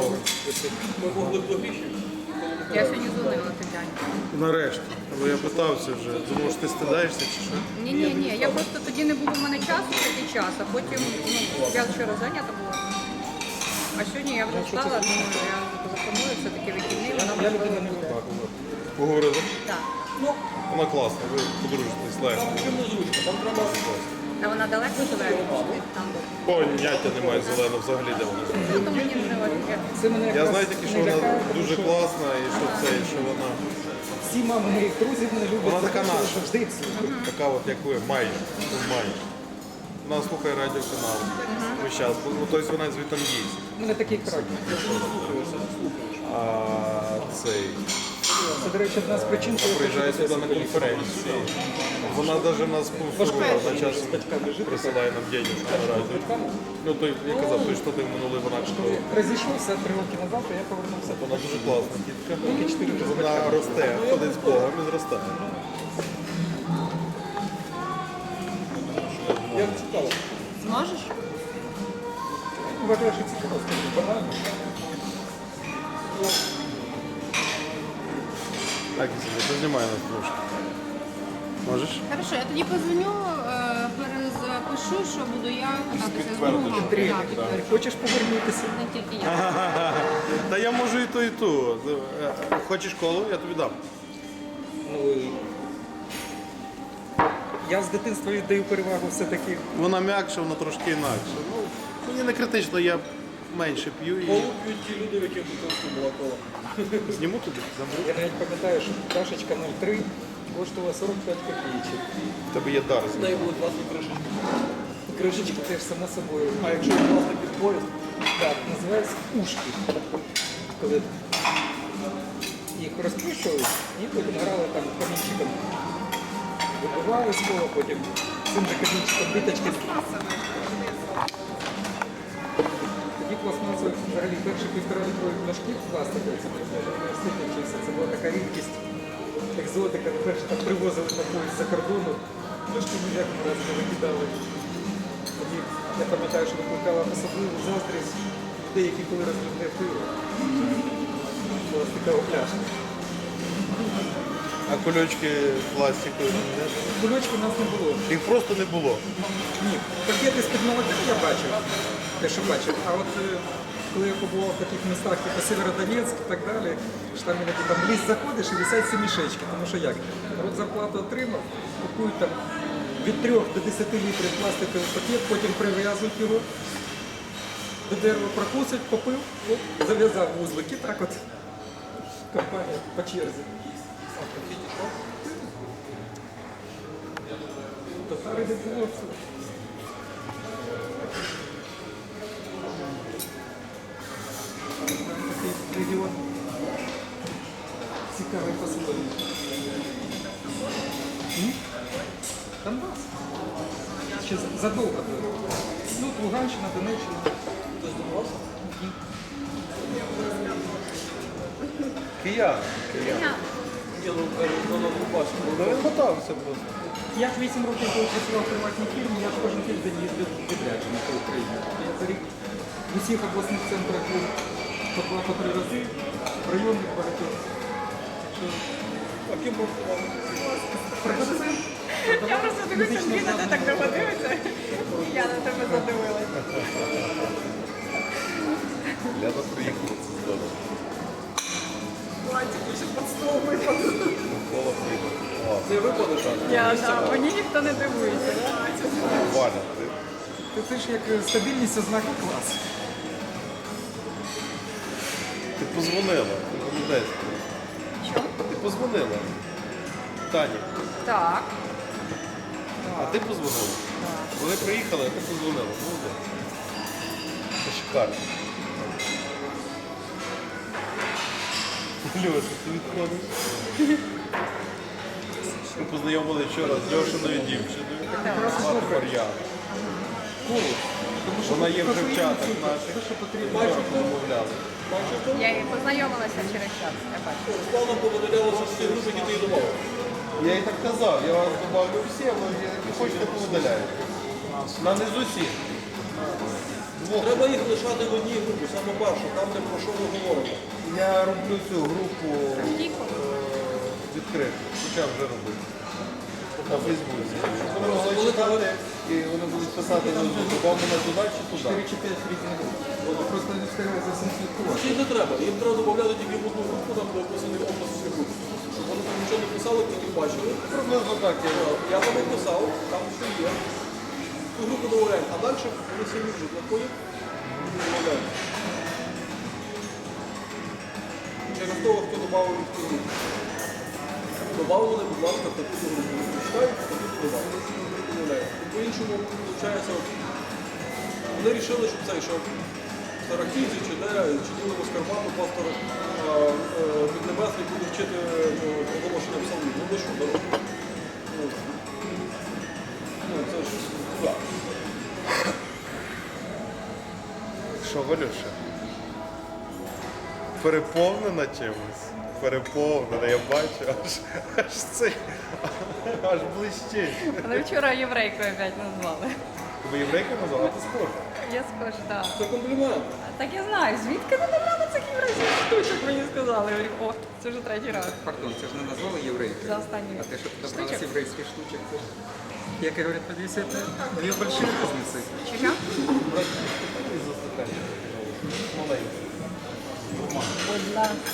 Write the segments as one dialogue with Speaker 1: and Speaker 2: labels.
Speaker 1: дорога.
Speaker 2: Ми могли б логічно.
Speaker 3: Я сьогодні дзвонила Тетяні.
Speaker 1: Нарешті. Бо я питався вже. Думав, що ти стидаєшся чи що?
Speaker 3: Ні, я просто тоді не було в мене часу, такий час, а потім я вчора зайнята була. А сьогодні я вже встала, думаю, я телефоную, все-таки вихідний, вона
Speaker 2: Я
Speaker 3: можливо
Speaker 2: людина не
Speaker 3: буде.
Speaker 2: випадку.
Speaker 1: Поговорили?
Speaker 3: Так.
Speaker 1: Вона класна, ви подружитесь легко.
Speaker 2: Там чим незручно, там треба.
Speaker 3: А вона далеко живе від там.
Speaker 1: Поняття немає зелено взагалі, де вона.
Speaker 3: Ну, то мені не важливо.
Speaker 2: Це мене
Speaker 1: Я
Speaker 2: якраз
Speaker 1: знаю тільки, що
Speaker 2: не
Speaker 1: вона
Speaker 2: лякає, тому
Speaker 1: дуже
Speaker 2: що
Speaker 1: класна і що це, і що вона
Speaker 2: всі мами моїх друзів мене люблять.
Speaker 1: Вона
Speaker 2: за
Speaker 1: така
Speaker 2: те, що
Speaker 1: наша.
Speaker 2: завжди їх слухаю.
Speaker 1: така от, як ви, майже. Майже. Вона слухає радіоканал. Весь час. Ну, тобто вона звідти їсть.
Speaker 2: У мене такий характер.
Speaker 1: А цей
Speaker 2: Це, до речі, одна з причин, коли я
Speaker 1: приїжджає
Speaker 2: хочу
Speaker 1: сюди на
Speaker 2: бути
Speaker 1: конференції. Вона навіть нас спонсорує, вона часом присилає нам денежку на радіо. Ну, той, я казав, той, що ти минулий вона школа.
Speaker 2: розійшовся 3 роки назад, то я повернувся.
Speaker 1: Вона дуже класна дітка.
Speaker 2: Роки 4 вже з
Speaker 1: Вона
Speaker 2: батьками.
Speaker 1: росте, ходить з Богом і зростає.
Speaker 2: Я цікаво.
Speaker 3: Зможеш?
Speaker 2: Вважаю, що цікаво, скажу, банально.
Speaker 1: Так, і собі, познімай нас трошки. Можеш?
Speaker 4: Хорошо, я тоді позвоню, перезапишу, що буду я кататися з
Speaker 1: Підтвердиш.
Speaker 4: другом.
Speaker 2: Андрій,
Speaker 4: Так, підтверджую.
Speaker 2: хочеш повернутися?
Speaker 4: Не тільки я.
Speaker 1: Та я можу і ту, і ту. Хочеш колу, я тобі дам.
Speaker 2: Ну, я з дитинства віддаю перевагу все-таки.
Speaker 1: Вона м'якша, вона трошки інакша. Ну, мені не критично, я менше п'ю і
Speaker 2: Колу п'ють ті люди, в яких дитинство була кола.
Speaker 1: зніму тобі, заберу.
Speaker 2: Я навіть пам'ятаю, що чашечка 0,3 коштувала 45 копійочок.
Speaker 1: В тебе є дар.
Speaker 2: З неї були класні кришечки. Кришечки теж само собою. А якщо класний під поїзд, так, називається ушки. Коли їх розкручували і потім грали там камінчиком. Вибивали з кола, потім цим же камінчиком биточки. Тоді пластмасових взагалі перші 1,5-літрові пляшки пластикові, це в університеті вчився. Це була така рідкість, екзотика. Перше так привозили на поїзд за кордону, пляшки ніяк раз не викидали. Тоді я пам'ятаю, що викликала особливу заздрість людей, які коли розливне пиво. Пластикова пляшка.
Speaker 1: А кульочки пластикові, не?
Speaker 2: Кульочки у нас не було.
Speaker 1: Їх просто не було.
Speaker 2: Ні, пакети з-під молока я бачив, те, що бачив. А от коли я побував в таких містах, типу Сєвєродонецьк і так далі, що там іноді там в ліс заходиш і висять ці мішечки. Тому що як? Народ зарплату отримав, купують там від 3 до 10 літрів пластиковий пакет, потім прив'язують його до дерева, прокусить, попив, оп, зав'язав вузлики. Так от компанія по черзі. Татари не було. Такий регіон цікавий по-своєму. Донбас. Ще задовго до. Ну, Луганщина, Донеччина. Хтось Донбас?
Speaker 1: Киян. Ну він мотався просто.
Speaker 2: Я ж 8 років, коли працював в приватній фірмі, я ж кожен тиждень їздив в відрядження по Україні. Я за рік в усіх обласних центрах був по 2-3 рази, в районних багатьох. А ким був? Продавцем.
Speaker 3: Я просто дивлюся, Ліна, ти так довго дивишся. Я на тебе задивилася.
Speaker 1: Ляна приїхала це здорово.
Speaker 3: Платик ще під стол випав.
Speaker 1: Кола приїхала.
Speaker 2: Це випадок?
Speaker 3: Мені ніхто не дивується.
Speaker 1: Валя,
Speaker 2: Це ж як стабільність ознака класу.
Speaker 1: ти позвонила. Ти пам'ятаєш?
Speaker 3: Що?
Speaker 1: Ти позвонила. Тані.
Speaker 3: Так.
Speaker 1: А ти позвонила? Вони приїхали, а ти позвонила. Молодець. Це шикарно. Льоша, ти відходиш? Ми познайомили вчора з Льошиною дівчиною. Звати Мар'яна. Вона є вже в чатах наших. Вчора розмовляли.
Speaker 3: Я її познайомилася через час. Я бачу.
Speaker 2: Славно повидалялося з тих груп, які ти їй давав.
Speaker 1: Я їй так казав, я вас добавлю всі, але які хочете повидаляєте. На не з усіх.
Speaker 5: Треба їх лишати в одній групі, саме перше, там де про що ми говоримо.
Speaker 1: Я роблю цю групу відкриту, почав вже робити. На Фейсбуці. Щоб вони могли читати і вони будуть писати внизу, вам мене туди чи туди.
Speaker 2: 4 чи 5 різних груп. Вони просто не встигли за всім слідкувати.
Speaker 5: Їм не треба, їм треба додати тільки в одну групу, там де описаний опис всіх груп. Щоб вони там нічого не писали, тільки бачили.
Speaker 1: Приблизно так я роблю.
Speaker 5: Я там написав, там все є. Ту групу додаємо, а далі вони самі вже знаходять і додають. Через того, хто додав їх в ту групу. Добавили, будь ласка, в таку групу. Читають, таку додавали. По-іншому, виходить, вони вирішили, щоб цей, що Старохідці чи де, чи ділимо з Карпату, пастор Піднебесний буде вчити проголошення псалмів. Ну ви що, дорога? Ну, це ж, так.
Speaker 1: Що, Валюша? Переповнена чимось? Переповнена, я бачу, аж цей, аж блищить.
Speaker 3: Але вчора єврейкою опять назвали.
Speaker 1: Тебе єврейка назвала? Ти схожа.
Speaker 3: Я схожа, так.
Speaker 5: Це комплімент.
Speaker 3: Так я знаю, звідки ви назвали цих єврейських штучок, мені сказали. Я говорю, о, це вже третій раз.
Speaker 2: Пардон, це ж не назвали єврейки.
Speaker 3: За останній
Speaker 2: А те, що подобралось
Speaker 3: штучок.
Speaker 2: єврейських штучок, це ж, як говорять, подивіться, це дві больші різниці.
Speaker 3: Чи що?
Speaker 1: Маленький.
Speaker 3: Будь ласка.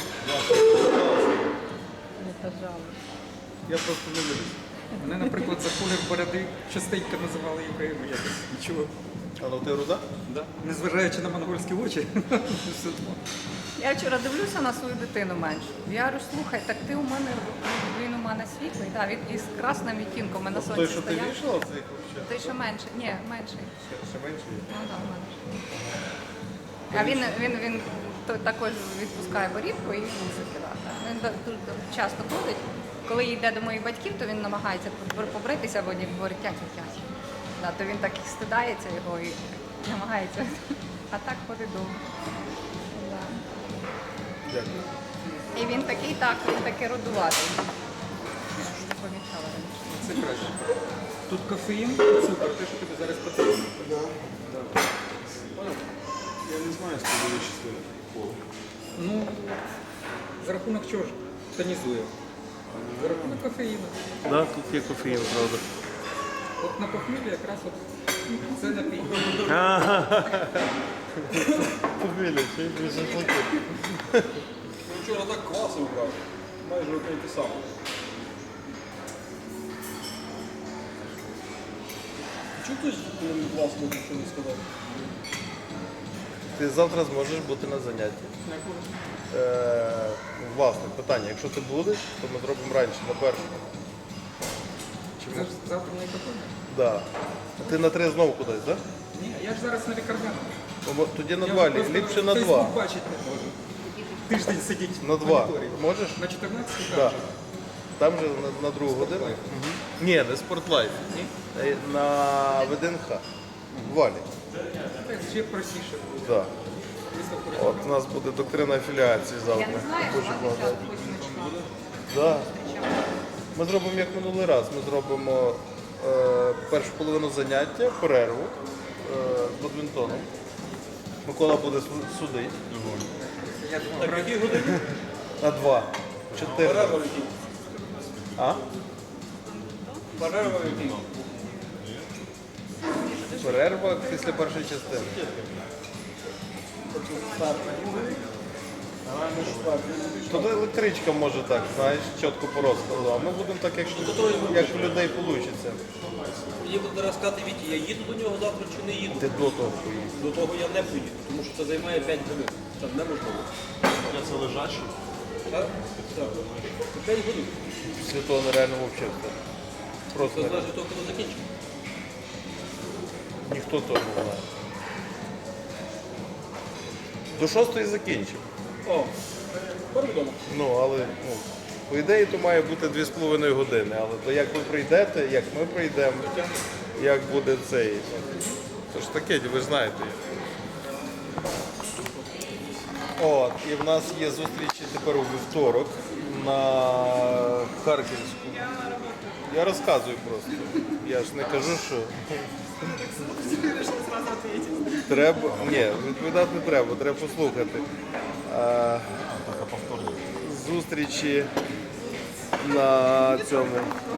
Speaker 3: Не пожалуйста.
Speaker 1: Я просто не люблю.
Speaker 2: Мене, наприклад, за колір бороди частенько називали євреями якось. Нічого.
Speaker 1: А ну ти руда?
Speaker 2: Да. Незважаючи на монгольські очі, все одно.
Speaker 3: Я вчора дивлюся на свою дитину меншу. Я говорю, слухай, так ти у мене, він у мене світлий, да, він із красним відтінком, ми на сонці
Speaker 1: Той, що ти
Speaker 3: стояли.
Speaker 1: вішала, цей взагалі?
Speaker 3: Той, що менше, ні, менший.
Speaker 1: Ще менший є?
Speaker 3: Ну так, менше. А він також відпускає борідку і вусики. Да. Він дуже часто ходить. Коли йде до моїх батьків, то він намагається побритися, бо вони говорять, тять. Да, то він так і стидається його і намагається. А так ходить довго. Да.
Speaker 1: Дякую.
Speaker 3: І він такий рудуватий. Не помічала раніше.
Speaker 2: Це краще. Тут кофеїн і цукор, те, що тобі зараз потрібно.
Speaker 1: Я не знаю, що буде щасливо.
Speaker 2: Ну, за рахунок чого ж тонізує? За рахунок кофеїну.
Speaker 1: Да, тут є кофеїн, правда.
Speaker 2: От на похміллі якраз от це напій.
Speaker 1: Побіля, чи більше платити.
Speaker 5: Ну, вчора так квасив, брав. Майже одне й те саме. Чого хтось власне нічого не сказав?
Speaker 1: Ти завтра зможеш бути на занятті. Власне, питання, якщо ти будеш, то ми зробимо раніше, на першому.
Speaker 2: Це ж завтра не кофеїн?
Speaker 1: Да. А ти на 3 знову кудись, так?
Speaker 2: Ні, я ж зараз на лікарняному.
Speaker 1: Тоді на
Speaker 2: Я
Speaker 1: 2,
Speaker 2: просто
Speaker 1: ліпше на
Speaker 2: Фейсбук
Speaker 1: 2.
Speaker 2: бачити не можу. Тиждень сидіть
Speaker 1: На
Speaker 2: в
Speaker 1: 2.
Speaker 2: моніторі.
Speaker 1: Можеш?
Speaker 2: На 14
Speaker 1: Так.
Speaker 2: так.
Speaker 1: Там же на другу годину.
Speaker 2: Спортлайф.
Speaker 1: Ні, не спортлайф. На ВДНХ. В Валі.
Speaker 2: Це ще простіше буде.
Speaker 1: Да.
Speaker 2: Виставку
Speaker 1: От у нас буде доктрина афіліації завтра.
Speaker 3: Я не знаю,
Speaker 1: Дуже
Speaker 3: що
Speaker 1: багато.
Speaker 3: 8 числа.
Speaker 1: Да. Ми зробимо як минулий раз. Ми зробимо першу половину заняття, перерву з бадмінтоном. Микола буде судити.
Speaker 2: Я думав,
Speaker 5: Так, які години?
Speaker 1: На 2. 4.
Speaker 5: Перерва який?
Speaker 1: А?
Speaker 5: Перерва який?
Speaker 1: Перерва після першої частини. Тут електричка може так, знаєш, чітко по розкладу. А ми будемо так, як у людей вийде.
Speaker 5: Мені буде зараз сказати, Віті, я їду до нього завтра чи не їду?
Speaker 1: Ти до того поїдеш.
Speaker 5: До того я не поїду, тому що це займає 5 годин. Це неможливо.
Speaker 1: Це лежачий.
Speaker 5: Так? Так. Це 5 годин.
Speaker 1: Після того нереально взагалі.
Speaker 5: Це
Speaker 1: Просто
Speaker 5: залежить від того, коли закінчимо.
Speaker 1: ніхто того не знає. До 6 закінчимо.
Speaker 5: О, тепер відомо.
Speaker 1: Ну, але по ідеї то має бути 2,5 години. Але то як ви прийдете, як ми прийдемо, як буде цей. То ж таке, ви ж знаєте. От, і в нас є зустрічі тепер у вівторок на Харківську. Я розказую просто. Я ж не кажу, що Треба. Ні, відповідати не треба, треба послухати. Зустрічі на цьому.